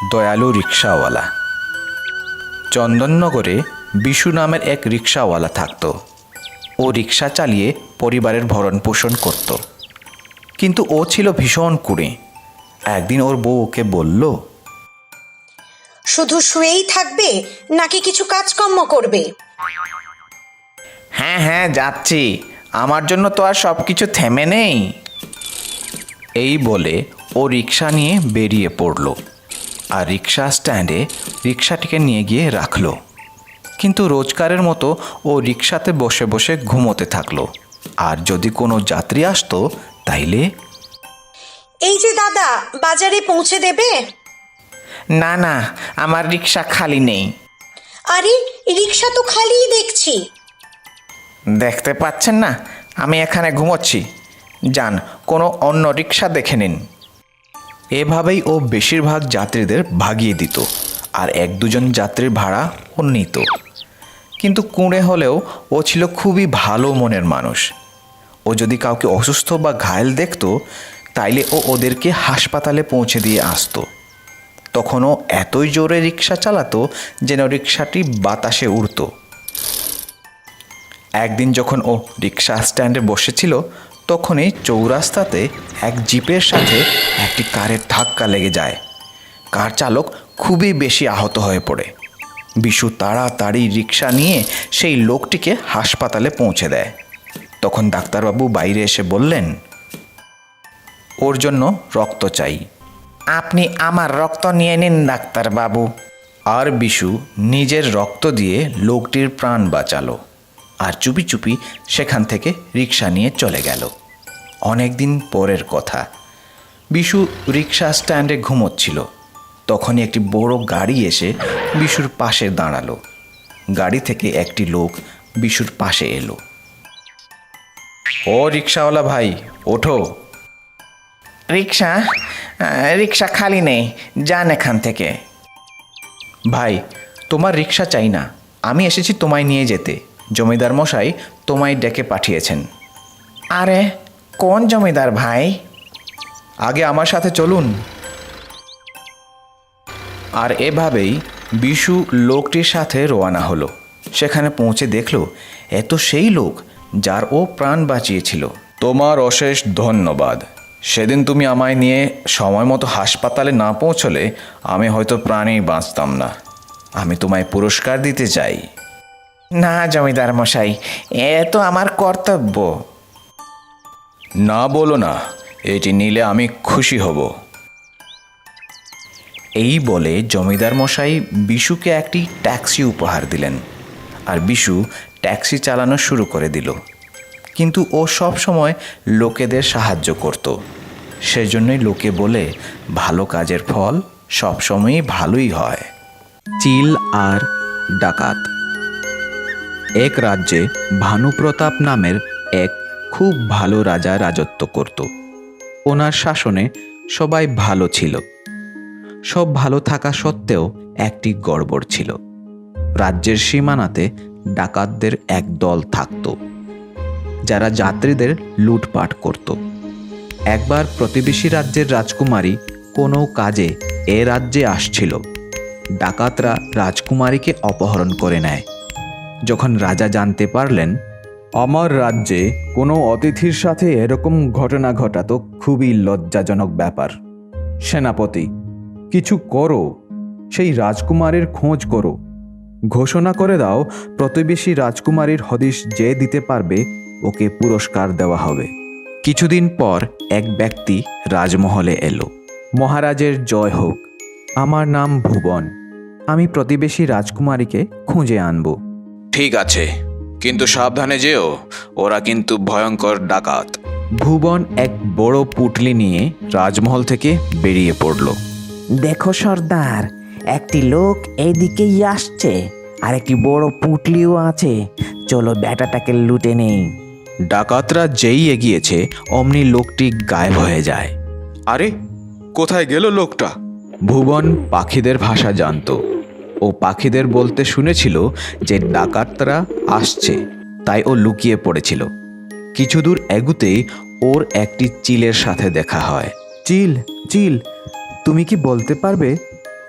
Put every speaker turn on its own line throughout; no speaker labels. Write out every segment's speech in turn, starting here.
দয়ালু রিক্সাওয়ালা। চন্দননগরে বিশু নামের এক রিক্সাওয়ালা থাকত। ও রিক্সা চালিয়ে পরিবারের ভরণ পোষণ করত, কিন্তু ও ছিল ভীষণ কুঁড়ে। একদিন ওর বউ ওকে বলল,
শুধু শুয়েই থাকবে নাকি কিছু কাজকর্ম করবে?
হ্যাঁ হ্যাঁ যাচ্ছি, আমার জন্য তো আর সব কিছু থেমে নেই। এই বলে ও রিক্সা নিয়ে বেরিয়ে পড়ল আর রিক্সা স্ট্যান্ডে রিক্সাটিকে নিয়ে গিয়ে রাখলো। কিন্তু রোজকারের মতো ও রিক্সাতে বসে বসে ঘুমোতে থাকলো। আর যদি কোনো যাত্রী আসতো তাইলে,
এই যে দাদা, বাজারে পৌঁছে দেবে?
না না, আমার রিক্সা খালি নেই।
আরে, রিক্সা তো খালিই দেখছি।
দেখতে পাচ্ছেন না আমি এখানে ঘুমোচ্ছি, যান কোনো অন্য রিক্সা দেখে নিন। এভাবেই ও বেশিরভাগ যাত্রীদের ভাগিয়ে দিত আর এক দুজন যাত্রীর ভাড়া ও নিত। কিন্তু কুঁড়ে হলেও ও ছিল খুবই ভালো মনের মানুষ। ও যদি কাউকে অসুস্থ বা ঘায়েল দেখতো তাইলে ও ওদেরকে হাসপাতালে পৌঁছে দিয়ে আসতো। তখন ও এতই জোরে রিক্সা চালাতো যেন রিক্সাটি বাতাসে উড়ত। একদিন যখন ও রিক্সা স্ট্যান্ডে বসেছিল তখনই চৌরাস্তাতে এক জিপের সাথে একটি কারের ধাক্কা লেগে যায়। কার চালক খুবই বেশি আহত হয়ে পড়ে। বিশু তাড়াতাড়ি রিক্সা নিয়ে সেই লোকটিকে হাসপাতালে পৌঁছে দেয়। তখন ডাক্তারবাবু বাইরে এসে বললেন, ওর জন্য রক্ত চাই। আপনি আমার রক্ত নিয়ে নিন ডাক্তারবাবু। আর বিশু নিজের রক্ত দিয়ে লোকটির প্রাণ বাঁচালো আর চুপি চুপি সেখান থেকে রিক্সা নিয়ে চলে গেল। অনেক দিন পরের কথা, বিশু রিক্সা স্ট্যান্ডে ঘুমোচ্ছিল। তখনই একটি বড় গাড়ি এসে বিশুর পাশে দাঁড়ালো। গাড়ি থেকে একটি লোক বিশুর পাশে এলো। ও রিক্সাওয়ালা ভাই, ওঠো। রিক্সা রিক্সা খালি নেই, যান এখান থেকে। ভাই, তোমার রিক্সা চাই না, আমি এসেছি তোমায় নিয়ে যেতে। জমিদার মশাই তোমায় ডেকে পাঠিয়েছেন। আরে কোন জমিদার ভাই? আগে আমার সাথে চলুন। আর এভাবেই বিশু লোকটির সাথে রওনা হলো। সেখানে পৌঁছে দেখলো এত সেই লোক যার ও প্রাণ বাঁচিয়েছিল। তোমার অশেষ ধন্যবাদ। সেদিন তুমি আমায় নিয়ে সময় মতো হাসপাতালে না পৌঁছলে আমি হয়তো প্রাণেই বাঁচতাম না। আমি তোমায় পুরস্কার দিতে চাই। না জমিদার মশাই, এ তো আমার কর্তব্য। না বলো না, এটি নিলে আমি খুশি হব। এই বলে জমিদার মশাই বিশুকে একটি ট্যাক্সি উপহার দিলেন আর বিশু ট্যাক্সি চালানো শুরু করে দিল। কিন্তু ও সব সময় লোকেদের সাহায্য করত। সেজন্যই লোকে বলে ভালো কাজের ফল সবসময়ই ভালোই হয়। চিল আর ডাকাত। এক রাজ্যে ভানুপ্রতাপ নামের এক খুব ভালো রাজা রাজত্ব করত। ওনার শাসনে সবাই ভালো ছিল। সব ভালো থাকা সত্ত্বেও একটি গড়বড় ছিল। রাজ্যের সীমানাতে ডাকাতদের এক দল থাকত, যারা যাত্রীদের লুটপাট করত। একবার প্রতিবেশী রাজ্যের রাজকুমারী কোনো কাজে এ রাজ্যে আসছিল। ডাকাতরা রাজকুমারীকে অপহরণ করে নেয়। যখন রাজা জানতে পারলেন আমার রাজ্যে কোনো অতিথির সাথে এরকম ঘটনা ঘটা তো খুবই লজ্জাজনক ব্যাপার। সেনাপতি, কিছু করো, সেই রাজকুমারীর খোঁজ করো। ঘোষণা করে দাও প্রতিবেশী রাজকুমারীর হদিশ যে দিতে পারবে ওকে পুরস্কার দেওয়া হবে। কিছুদিন পর এক ব্যক্তি রাজমহলে এলো। মহারাজের জয় হোক, আমার নাম ভুবন। আমি প্রতিবেশী রাজকুমারীকে খুঁজে আনব। ঠিক আছে, কিন্তু সাবধানে যেও, ওরা কিন্তু ভয়ঙ্কর ডাকাত। ভুবন এক বড় পুটলি নিয়ে রাজমহল থেকে বেরিয়ে পড়ল।
দেখো সর্দার, একটি লোক এইদিকেই আসছে আর একটি বড় পুটলিও আছে। চলো ব্যাটাটাকে লুটে নেই।
ডাকাতরা যেই এগিয়েছে অমনি লোকটি গায়েব হয়ে যায়। আরে কোথায় গেল লোকটা? ভুবন পাখিদের ভাষা জানত। ও পাখিদের বলতে শুনেছিল যে ডাকাতরা আসছে, তাই ও লুকিয়ে পড়েছিল। কিছু দূর এগুতেই ওর একটি চিলের সাথে দেখা হয়।
চিল, চিল, তুমি কি বলতে পারবে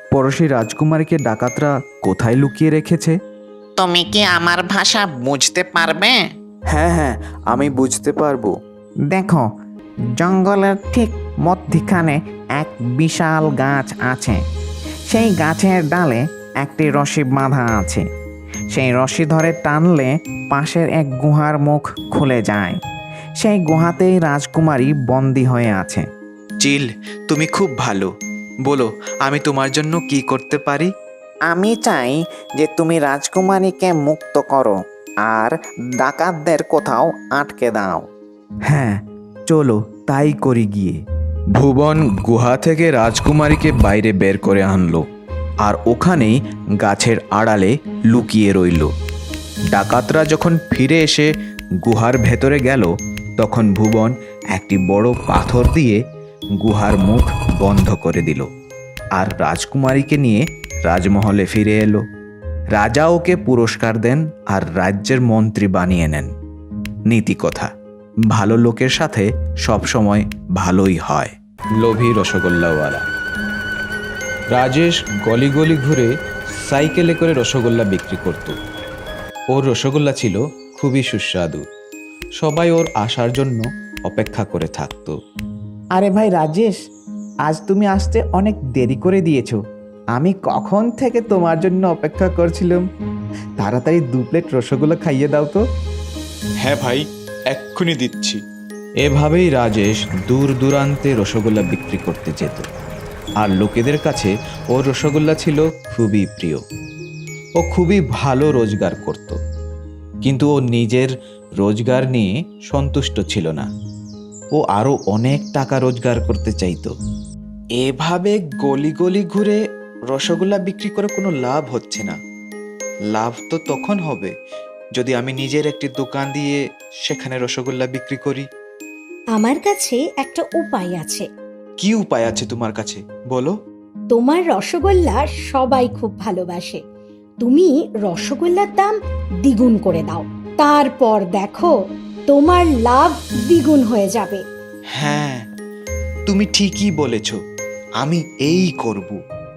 পড়শি রাজকুমারীকে ডাকাতরা কোথায় লুকিয়ে রেখেছে?
তুমি কি আমার ভাষা বুঝতে পারবে?
হ্যাঁ হ্যাঁ, আমি বুঝতে পারবো।
দেখো, জঙ্গলের ঠিক মধ্যখানে এক বিশাল গাছ আছে। সেই গাছের ডালে একটি রশি বাঁধা আছে। সেই রশি ধরে টানলে পাশের এক গুহার মুখ খুলে যায়। সেই গুহাতেই রাজকুমারী বন্দী হয়ে আছে।
চিল, তুমি খুব ভালো। বলো, আমি তোমার জন্য কি করতে পারি?
আমি চাই যে তুমি রাজকুমারীকে মুক্ত করো আর ডাকাতদের কোথাও আটকে দাও।
হ্যাঁ, চলো তাই করি গিয়ে।
ভুবন গুহা থেকে রাজকুমারীকে বাইরে বের করে আনলো আর ওখানেই গাছের আড়ালে লুকিয়ে রইল। ডাকাতরা যখন ফিরে এসে গুহার ভেতরে গেল, তখন ভুবন একটি বড় পাথর দিয়ে গুহার মুখ বন্ধ করে দিল আর রাজকুমারীকে নিয়ে রাজমহলে ফিরে এলো। রাজা ওকে পুরস্কার দেন আর রাজ্যের মন্ত্রী বানিয়ে নেন। নীতি কথা, ভালো লোকের সাথে সবসময় ভালোই হয়। লোভী রসগোল্লাওয়ালা। রাজেশ গলি গলি ঘুরে সাইকেলে করে রসগোল্লা বিক্রি করত। ওর রসগোল্লা ছিল খুবই সুস্বাদু। সবাই ওর আসার জন্য অপেক্ষা করে থাকতো।
আরে ভাই রাজেশ, আজ তুমি আসতে অনেক দেরি করে দিয়েছো। আমি কখন থেকে তোমার জন্য অপেক্ষা করছিলাম। তাড়াতাড়ি 2 প্লেট রসগোল্লা খাইয়ে দাও তো।
হ্যাঁ ভাই, এক্ষুনি দিচ্ছি।
এভাবেই রাজেশ দূর দূরান্তে রসগোল্লা বিক্রি করতে যেত আর লোকেদের কাছে ওর রসগোল্লা ছিল খুবই প্রিয়। ও খুবই ভালো রোজগার করত, কিন্তু ও নিজের রোজগার নিয়ে সন্তুষ্ট ছিল না। ও আরো অনেক টাকা রোজগার করতে চাইতো। এভাবে গলি গলি ঘুরে রসগোল্লা বিক্রি করে কোনো লাভ হচ্ছে না। লাভ তো তখন হবে যদি আমি নিজের একটি দোকান দিয়ে সেখানে রসগোল্লা বিক্রি করি।
আমার কাছে একটা উপায় আছে।
কি উপায় আছে তোমার কাছে, বলো।
তোমার রসগোল্লা সবাই খুব ভালোবাসে। তুমি রসগোল্লার দাম দ্বিগুণ করে দাও, তারপর দেখো তোমার লাভ দ্বিগুণ হয়ে যাবে।
হ্যাঁ, তুমি ঠিকই বলেছ। আমি এই করব।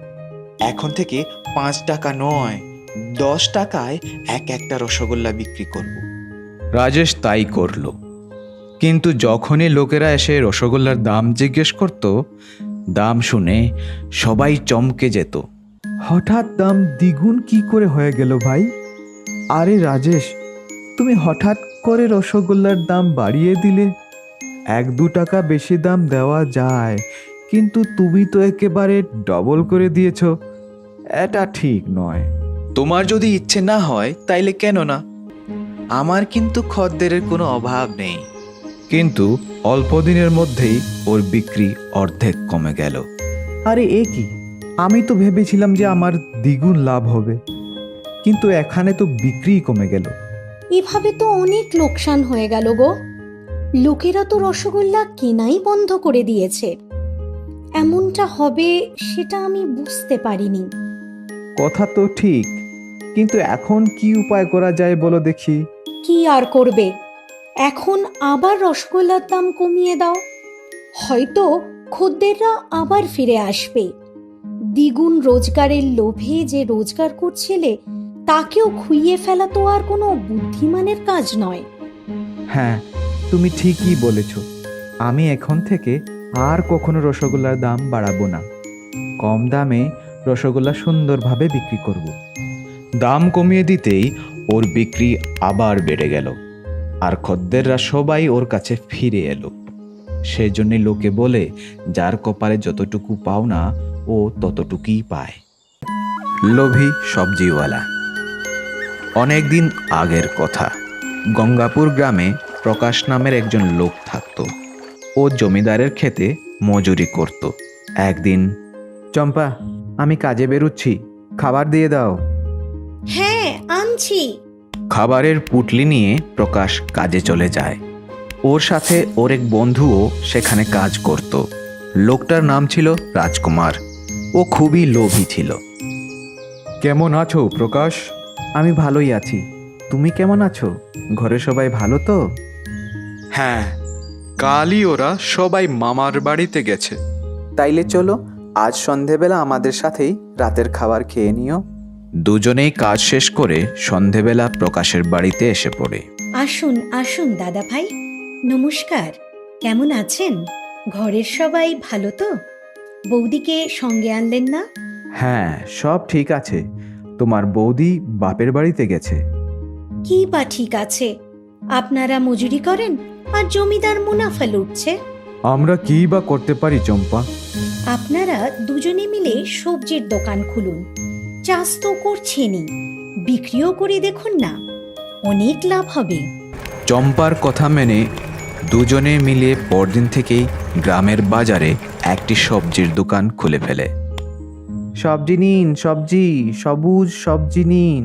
এখন থেকে 5 টাকা নয়, 10 টাকায় একটা রসগোল্লা বিক্রি করব। রাজেশ তাই করলো। কিন্তু যখনই লোকেরা এসে রসগোল্লার দাম জিজ্ঞেস করত, দাম শুনে সবাই চমকে যেত।
হঠাৎ দাম দ্বিগুণ কি করে হয়ে গেল ভাই? আরে রাজেশ, তুমি হঠাৎ করে রসগোল্লার দাম বাড়িয়ে দিলে। 1-2 টাকা বেশি দাম দেওয়া যায়, কিন্তু তুমি তো একেবারে ডবল করে দিয়েছো। এটা ঠিক নয়।
তোমার যদি ইচ্ছে না হয় তাইলে কেন না? আমার কিন্তু খদ্দেরের কোনো অভাব নেই। কিন্তু অল্প দিনের মধ্যেই ওর বিক্রি অর্ধেক কমে গেল।
আরে এ কি, আমি তো ভেবেছিলাম যে আমার দ্বিগুণ লাভ হবে, কিন্তু এখানে তো বিক্রি কমে গেল।
এভাবে তো অনেক লোকসান হয়ে গেল গো। লোকেরা তো রসগোল্লা কেনাই বন্ধ করে দিয়েছে। এমনটা হবে সেটা আমি বুঝতে পারিনি।
কথা তো ঠিক, কিন্তু এখন কি উপায় করা যায় বলো দেখি।
কি আর করবে, এখন আবার রসগোল্লার দাম কমিয়ে দাও। হয়তো খদ্দেররা আবার ফিরে আসবে। দ্বিগুণ রোজগারের লোভে যে রোজগার করছিলে তাকেও খুইয়ে ফেলা তো আর কোনো বুদ্ধিমানের কাজ নয়।
হ্যাঁ, তুমি ঠিকই বলেছ। আমি এখন থেকে আর কখনো রসগোল্লার দাম বাড়াবো না। কম দামে রসগোল্লা সুন্দরভাবে বিক্রি করব।
দাম কমিয়ে দিতেই ওর বিক্রি আবার বেড়ে গেল আর খদ্দেররা সবাই ওর কাছে ফিরে এলো। সেই জন্য লোকে বলে, যার কপালে যতটুকু পাও না ও ততটুকুই পায়। লোভী সবজিওয়ালা। অনেকদিন আগের কথা। গঙ্গাপুর গ্রামে প্রকাশ নামের একজন লোক থাকত। ও জমিদারের ক্ষেতে মজুরি করত। একদিন,
চম্পা, আমি কাজে বেরুচ্ছি, খাবার দিয়ে দাও।
হ্যাঁ, আনছি।
খাবারের পুটলি নিয়ে প্রকাশ কাজে চলে যায়। ওর সাথে ওর এক বন্ধুও সেখানে কাজ করত। লোকটার নাম ছিল রাজকুমার। ও খুবই লোভী ছিল।
কেমন আছো প্রকাশ? আমি ভালোই আছি। তুমি কেমন আছো? ঘরে সবাই ভালো তো?
হ্যাঁ, কালই ওরা সবাই মামার বাড়িতে গেছে।
তাইলে চলো
আজ সন্ধেবেলা আমাদের সাথেই রাতের খাবার খেয়ে নিও।
দুজনেই কাজ শেষ করে সন্ধেবেলা প্রকাশের বাড়িতে এসে পড়ে।
আসুন আসুন দাদা ভাই, নমস্কার। কেমন আছেন? ঘরের সবাই ভালো তো? বৌদিকে সঙ্গে আনলেন না?
হ্যাঁ, সব ঠিক আছে। তোমার বৌদি বাপের বাড়িতে গেছে।
কি বা ঠিক আছে, আপনারা মজুরি করেন আর জমিদার মুনাফা লুটছে।
আমরা কি বা করতে পারি চম্পা?
আপনারা দুজনে মিলে সবজির দোকান খুলুন। চাষ তো করছেনই, বিক্রিও করে দেখুন না, অনেক লাভ হবে।
চম্পার কথা মেনে দুজনে মিলে পরদিন থেকেই গ্রামের বাজারে একটি সবজির দোকান খুলে ফেলে।
সবজি নিন, সবজি, সবুজ সবজি নিন।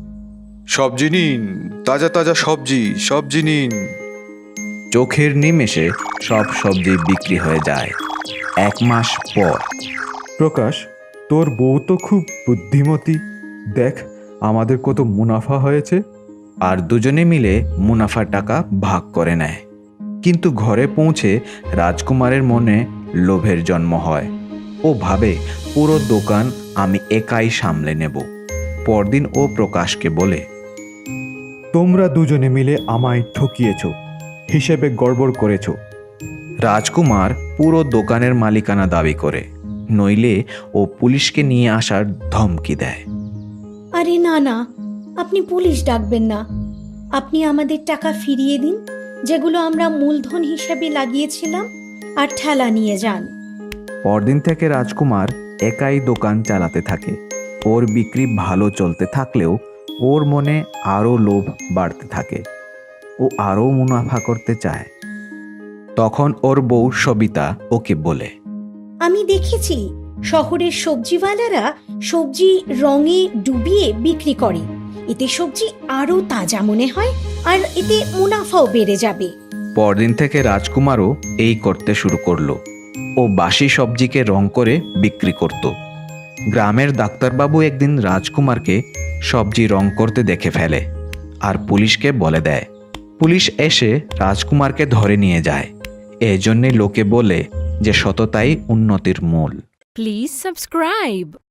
সবজি নিন, তাজা তাজা সবজি, সবজি নিন।
চোখের নিমেষে সব সবজি বিক্রি হয়ে যায়। 1 মাস পর
প্রকাশ, তোর বউ তো খুব বুদ্ধিমতী। দেখ আমাদের কত মুনাফা হয়েছে।
আর দুজনে মিলে মুনাফার টাকা ভাগ করে নেয়। কিন্তু ঘরে পৌঁছে রাজকুমারের মনে লোভের জন্ম হয়। ও ভাবে পুরো দোকান আমি একাই সামলে নেব। পরদিন ও প্রকাশকে বলে,
তোমরা দুজনে মিলে আমায় ঠকিয়েছ, হিসেবে গড়বড় করেছ।
রাজকুমার পুরো দোকানের মালিকানা দাবি করে, নইলে ও পুলিশকে নিয়ে আসার ধমকি দেয়।
আরে না না, আপনি পুলিশ ডাকবেন না। আপনি আমাদের টাকা ফিরিয়ে দিন, যেগুলো আমরা মূলধন হিসেবে লাগিয়েছিলাম, আর ঠেলা নিয়ে যান।
পরদিন থেকে রাজকুমার একাই দোকান চালাতে থাকে। ওর বিক্রি ভালো চলতে থাকলেও ওর মনে আরও লোভ বাড়তে থাকে। ও আরও মুনাফা করতে চায়। তখন ওর বউ সবিতা ওকে বলে,
আমি দেখেছি শহরের সবজিওয়ালারা সবজি রঙে ডুবিয়ে বিক্রি করে। এতে সবজি আরো তাজা মনে হয়, আর এতে মুনাফাও বেড়ে যাবে।
পরদিন থেকে রাজকুমারও এই করতে শুরু করলো। ও বাসি সবজিকে রং করে বিক্রি করত। গ্রামের ডাক্তারবাবু একদিন রাজকুমারকে সবজি রং করতে দেখে ফেলে আর পুলিশকে বলে দেয়। পুলিশ এসে রাজকুমারকে ধরে নিয়ে যায়। এজন্যে লোকে বলে যে সততাই উন্নতির মূল।
Please subscribe.